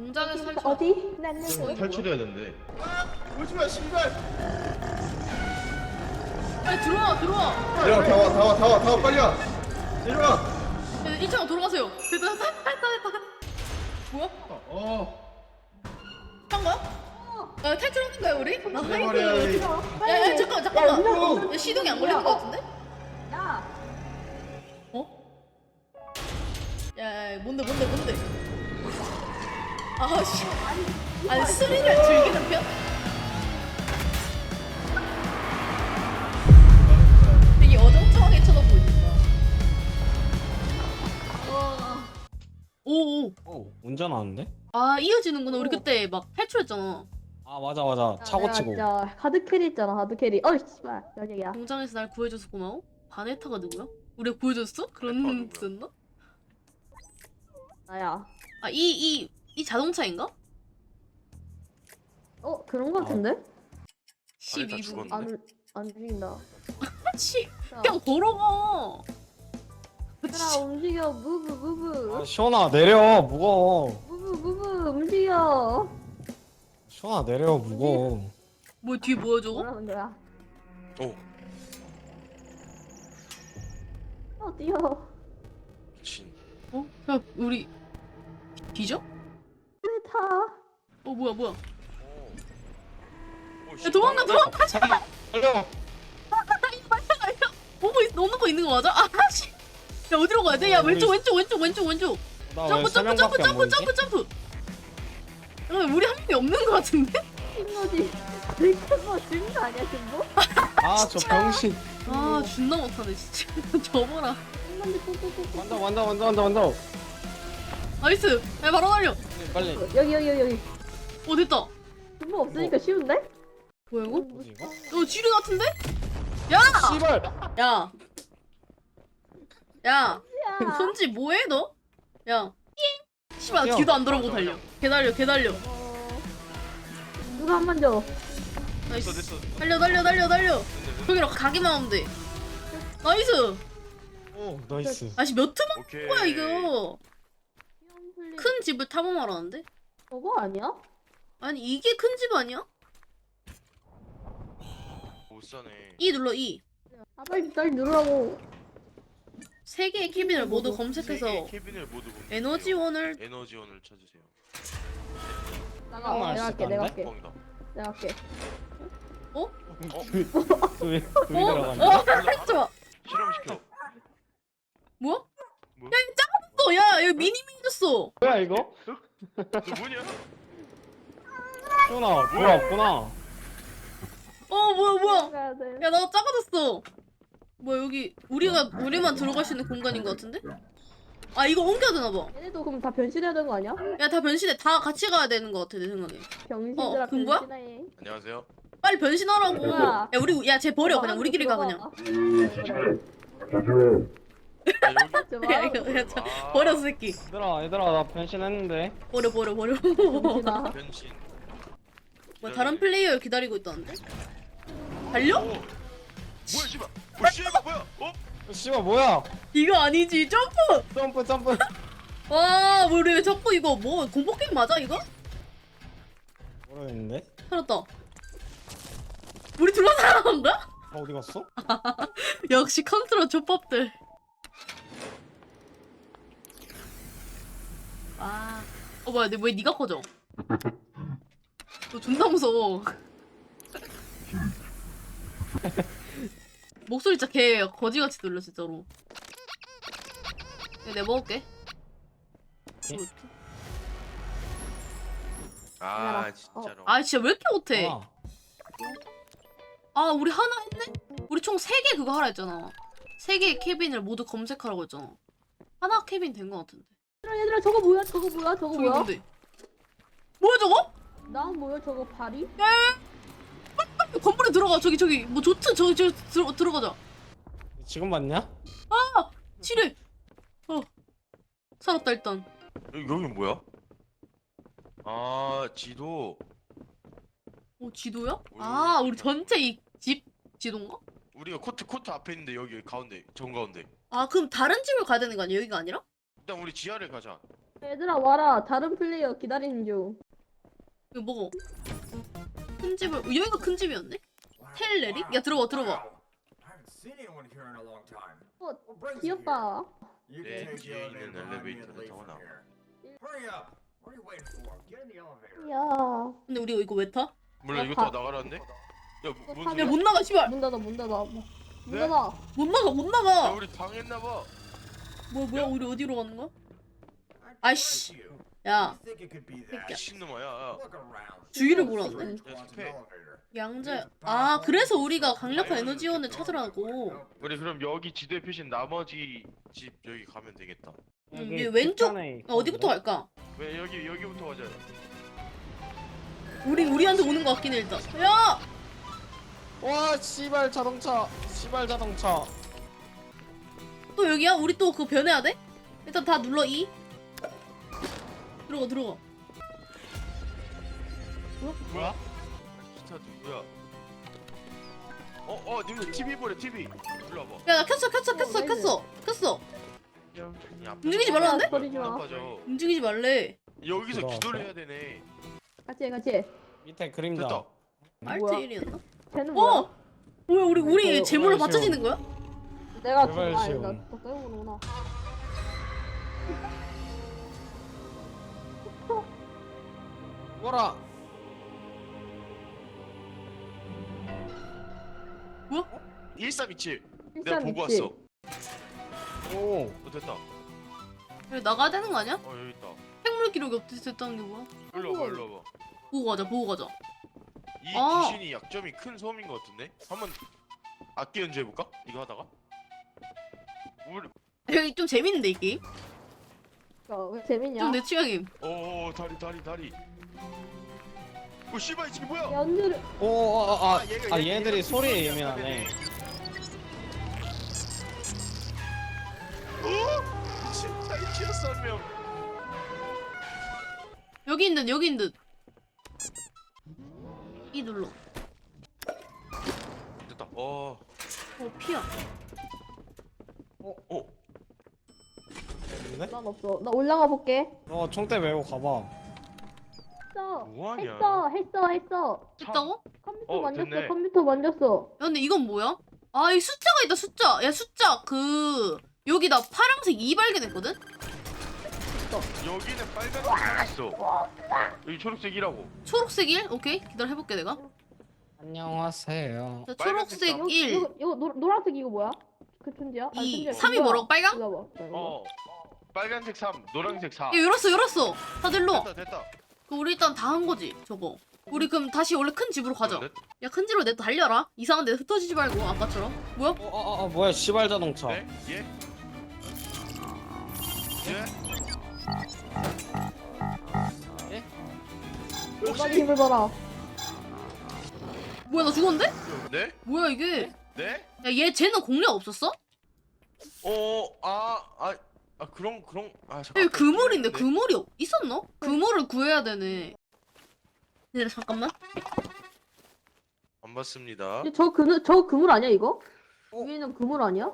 공장에서 탈출. 어디? 난 여기. 탈출해야 되는데. 오지마 씨발. 빨리 들어와. 내려와 다 와 빨리 와. 내려와. 1층으로 돌아가세요. 됐다. 뭐야? 한 거야? 탈출하는 거야 우리? 내버려. 야 잠깐만. 야, 시동이 안 걸리는 거 같은데? 야, 어? 야 뭔데? 아씨. 아니 스릴을 즐기는 편? 되게 어정쩡하게 쳐다보고 있다. 오. 운전하는데? 아 이어지는구나. 우리 그때 막 탈출했잖아. 아 맞아 차고 치고. 진짜 하드 캐리 있잖아, 하드 캐리. 어이 씨발, 여기야. 공장에서 날 구해줘서 고마워. 바네타가 누구야? 우리가 구해줬어? 그런 누구야? 뜻였나? 나야. 아 이 자동차인가? 그런 거 같은데? 바네타 12분. 죽었네. 안 죽인다. 씨, 그냥 걸어가. 얘들아 움직여, 무브. 아 시원아 내려 무거워. 무브 움직여. 시원아 내려 무거워. 뭐 뒤에 뭐야 저거? 뭐라는 거야? 오 어디요? 미친. 어? 야 우리 뒤져? 왜 타? 뭐야? 오. 야 도망가. 잠깐만 달려. 오는 거 있는 거 맞아? 아씨. 야 어디로 가야 돼? 야 왼쪽. 나왜 세 명밖에 안 보이지? 점프. 야 우리 한 명이 없는 거 같은데? 신노지. 들켰어, 죽는 거 아니야, 신노? 아 저 병신. 아 존나 못하네 진짜. 접어라. 신노지 꾹꾹꾹. 완다. 나이스. 야 바로 날려. 빨리. 여기. 됐다. 신노 없으니까 쉬운데? 뭐야 이거? 뭐지 이거? 지뢰 같은데? 야! 씨발. 야! 야. 손지 뭐해 너? 야. 씨발 뛰어. 뒤도 안 돌아보고 달려. 개달려. 누가 한 번 줘. 나이스. 됐어. 달려. 저기로 가기만 하면 돼. 나이스. 오 나이스. 아씨 몇 트만 오케이. 거야 이거. 큰 집을 탐험하라는데? 저거 아니야? 아니 이게 큰 집 아니야? 못 사네. E 눌러 E. 아 빨리 누르라고. 세 개의 캐빈을 모두 검색해서 세개의 캐빈을 모두 보면 에너지원을 에너지원을 찾으세요. 잠깐만, 내가 할게. 뻥이다. 왜 어? 하지 마. 실험시켜. 뭐야? 뭐야? 야 이거 작아졌어. 야 여기 미니미니졌어. 뭐야 이거? 너 뭐냐? 시원아 돌아왔구나. 뭐야? 가야 돼. 야 나 작아졌어. 뭐야 여기 우리만 들어갈 수 있는 공간인 것 같은데? 아 이거 옮겨야 되나 봐. 얘네도 그럼 다 변신해야 되는 거 아니야? 야 다 변신해. 다 같이 가야 되는 것 같아 내 생각에. 병신들아 그런 거야? 변신해. 안녕하세요. 빨리 변신하라고. 뭐야? 쟤 버려. 그냥 우리끼리 가 그냥. 야 이거 버려 새끼. 얘들아 나 변신했는데. 버려. 병신아. 변신. 뭐 다른 플레이어 기다리고 있다는데? 달려? 오. 뭐야 씨발. 씨발 뭐야? 씨발 뭐야? 이거 아니지 점프. 점프. 와 우리 왜 자꾸 이거 뭐 공포 게임 맞아 이거? 모르겠는데. 살았다. 우리 둘만 살아난 거야? 어디 갔어? 역시 컨트롤 족밥들. 뭐야 왜 니가 커져? 너 존나 무서워. 목소리 진짜 개 거지같이 들려 진짜로. 내가 먹을게. 이거 어떡해? 아 진짜로. 아 진짜 왜 이렇게 못해? 아, 우리 하나 했네? 우리 총 3개 그거 하라 했잖아. 3개의 캐빈을 모두 검색하라고 했잖아. 하나 캐빈 된 거 같은데. 얘들아 저거 뭐야? 저게 뭐야? 뭔데? 뭐야 저거? 나 뭐야 저거 발이? 건물에 들어가. 저기 뭐 좋든 저기 들어가자. 지금 봤냐? 지뢰. 살았다 일단. 여긴 뭐야? 아 지도. 지도야? 오. 우리 전체 이 집 지도인가? 우리가 코트 앞에 있는데 여기 가운데 정 가운데. 그럼 다른 집을 가야 되는 거 아니야? 여기가 아니라? 일단 우리 지하를 가자. 얘들아 와라. 다른 플레이어 기다리는 중. 이거 먹어. 큰 집을 여기가 큰 집이었네? 텔레리? 야 들어봐 들어봐. 귀엽다. 네, 뒤에 있는 엘리베이터를 타고 나와. 야. 근데 우리 이거 왜 타? 몰라 이거 다 나가라는데? 야 뭔 야, 소리야? 야 못 나가 씨발. 문 닫아 문 닫아. 문 네? 닫아. 못 나가 못 야 나가. 우리 당했나봐. 뭐야 우리 어디로 가는 거야? 아이씨. 야 미친놈아 야. 주위를 보라는데? 야 습해. 양자. 아 그래서 우리가 강력한 에너지원을 찾으라고. 우리 그럼 여기 지도에 표시된 나머지 집 여기 가면 되겠다. 여기 왼쪽 뒷단에 어디부터 갈까? 왜 여기부터 가자. 우리한테 오는 거 같긴 해 일단. 야! 와 씨발 자동차. 씨발 자동차. 또 여기야? 우리 또 그거 변해야 돼? 일단 다 눌러 E. 들어가. 뭐야? 기타 누구야? 님들 TV 보래 TV. 일로 와봐. 야 나 켰어. 움직이지 말라는데? 버리지 마. 나빠져. 움직이지 말래. 여기서 들어왔어? 기도를 해야 되네. 같이. 밑에 그림자. 됐다. 알트 뭐야? 1이었나? 쟤는 뭐야? 어! 뭐야 우리 어, 재물로 제발 받쳐지는 거야? 내가 제발 아니 시험. 나또 빼고 오는구나. 뭐라? 뭐야? 1327. 내가 보고 왔어. 오. 됐다. 여기 나가야 되는 거 아니야? 여기 있다. 생물 기록이 없댔다는 게 뭐야? 일로 와봐. 보고 가자. 이 아. 귀신이 약점이 큰 섬인 것 같은데? 한번 악기 연주해볼까? 이거 하다가? 우리 여기 좀 재밌는데 이 게임? 왜 재밌냐? 좀 내 취향임. 다리. 오 씨발 이게 뭐야? 연주를 얘네들이 소리에 예민하네. 진짜 이치였어 한 명. 여기 있는 듯. E 눌러. 됐다. 피야. 근데? 난 없어. 나 올라가 볼게. 총대 메고 가봐. 했어. 뭐하냐? 했어. 됐다고? 컴퓨터 만졌어. 됐네. 컴퓨터 만졌어. 야 근데 이건 뭐야? 아 이 숫자가 있다 숫자. 야 숫자 여기 나 파란색 2 발견했거든? 여기는 빨간색 있어. 여기 초록색이라고. 초록색 1? 오케이 기다려 해볼게 내가. 안녕하세요. 자, 빨간색 초록색 다- 1, 이거 노란색 이거 뭐야? 그 천지야? 2, 천지야. 3이 뭐라고? 빨강? 이거 봐. 나 이거. 빨간색 3, 노란색 4. 야 열었어. 다들 일로. 됐다. 그럼 우리 일단 다 한 거지 저거. 우리 그럼 다시 원래 큰 집으로 가자. 네? 야 큰 집으로 내 달려라. 이상한 데 흩어지지 말고 아까처럼. 뭐야? 뭐야 씨발 자동차. 네? 예? 빨리 힘을 봐라. 뭐야 나 죽었는데? 네? 뭐야 이게? 네? 야 쟤는 공략 없었어? 그런 여기 그물인데 네. 그물이 있었나? 그물을 구해야 되네. 네 잠깐만. 안 봤습니다. 저 그물 아니야 이거? 어? 위에 있는 그물 아니야?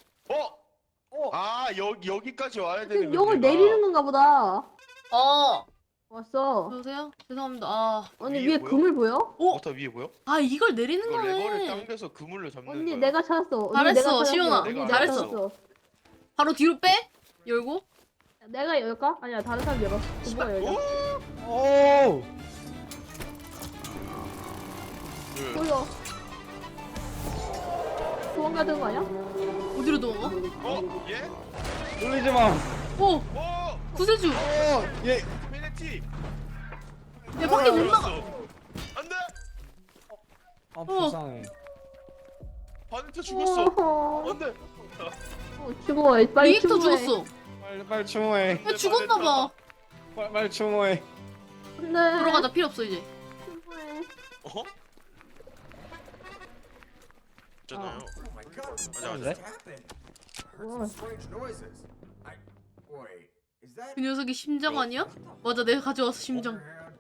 여기까지 와야 되는 지금 이걸 내리는 건가 보다. 왔어. 여보세요? 죄송합니다. 언니 위에 위에 보여? 그물 보여? 다 위에 보여? 이걸 내리는 이거 레버를 거네. 당겨서 그물로 잡는 언니 거야. 내가 찾았어. 언니 잘했어, 내가 찾았어. 시연아. 언니 내가 잘했어. 찾았어. 바로 뒤로 빼? 열고? 내가 열까? 아니야 다른 사람 열어. 누가 열자. 오. 보여. 도망가야 되는 거 아니야? 어디로 도망가? 예? 놀리지 마. 오! 구세주! 얘. 페네티. 야 밖에 못 나가! 안돼. 불쌍해. 바네트 죽었어. 안돼. 죽어. 빨리 리액터 추모해. 죽었어. 빨리 추모해. 야 죽었나봐. 빨리 추모해. 네. 들어가자 필요 없어 이제. 추모해. 있잖아요. 근데? 그 녀석이 심장 아니야? 맞아 내가 가져왔어 심장.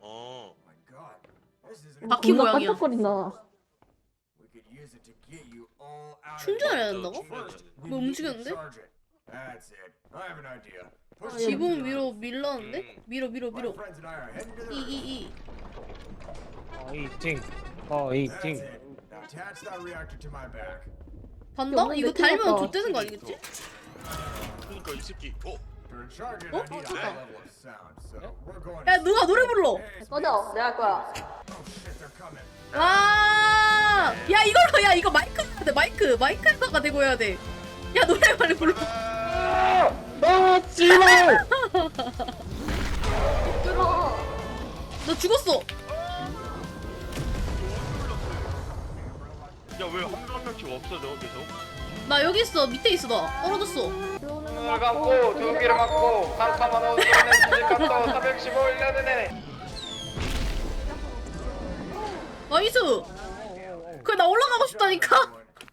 바퀴 존나 모양이야. 반짝거린다. 충전을 해야 된다고? 뭐 움직였는데? 지붕 위로 밀렀는데? 음. 밀어. 이. 이징. 이징. 간다? 없는데 이거 달면 튀었다. 좆되는 거 아니겠지? 그러니까 이 새끼. 야 누가 노래 불러? 꺼져. 내가 할 거야. 와! 야 이걸로 야 이거 마이크 해야 돼 마이크에다가 대고 해야 돼. 야 노래 빨리 불러. 씨발! 들어. 너 죽었어. 야왜 한 명씩 없어져 계속? 나 여기 있어. 밑에 있어 나. 떨어졌어. 눈을 감고 두 귀를 막고 깜깜한 어둠에 지직감도 415일년에 나이스. 그래 나 올라가고 싶다니까.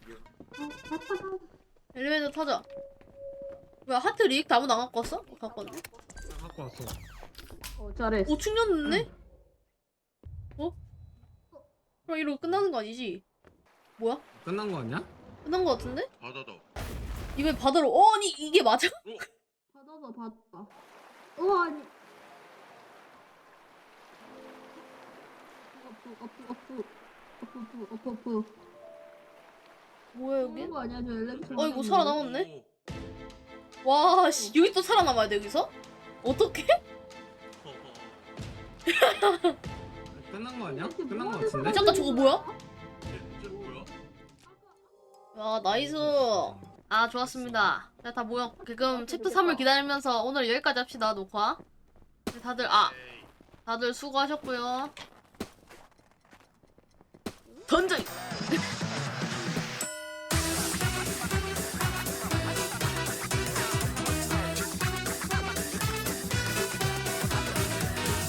엘리베이터 타자. 뭐야 하트 리액트 아무도 안 갖고 왔어? 갖고 왔네. 갖고 왔어. 잘했어. 오 충전 됐네? 어? 그럼 이러고 끝나는 거 아니지? 뭐야? 끝난 거 아니야? 끝난 거 같은데? 받아다. 이걸 바다로 아니 이게 맞아? 받았다. 아니. 어프. 뭐야 여기? 그런 거 아니야 저 엘리베이터. 어이구 살아남았네? 와 씨 여기 또 살아남아야 돼 여기서? 어떡해? 끝난 거 아니야? 끝난 거 같은데? 잠깐 저거 뭐야? 이제 뭐야? 야 나이스. 아 좋았습니다. 자 다 모여. 그럼 챕터 3을 기다리면서 오늘 여기까지 합시다 녹화. 다들 수고하셨고요. 던져.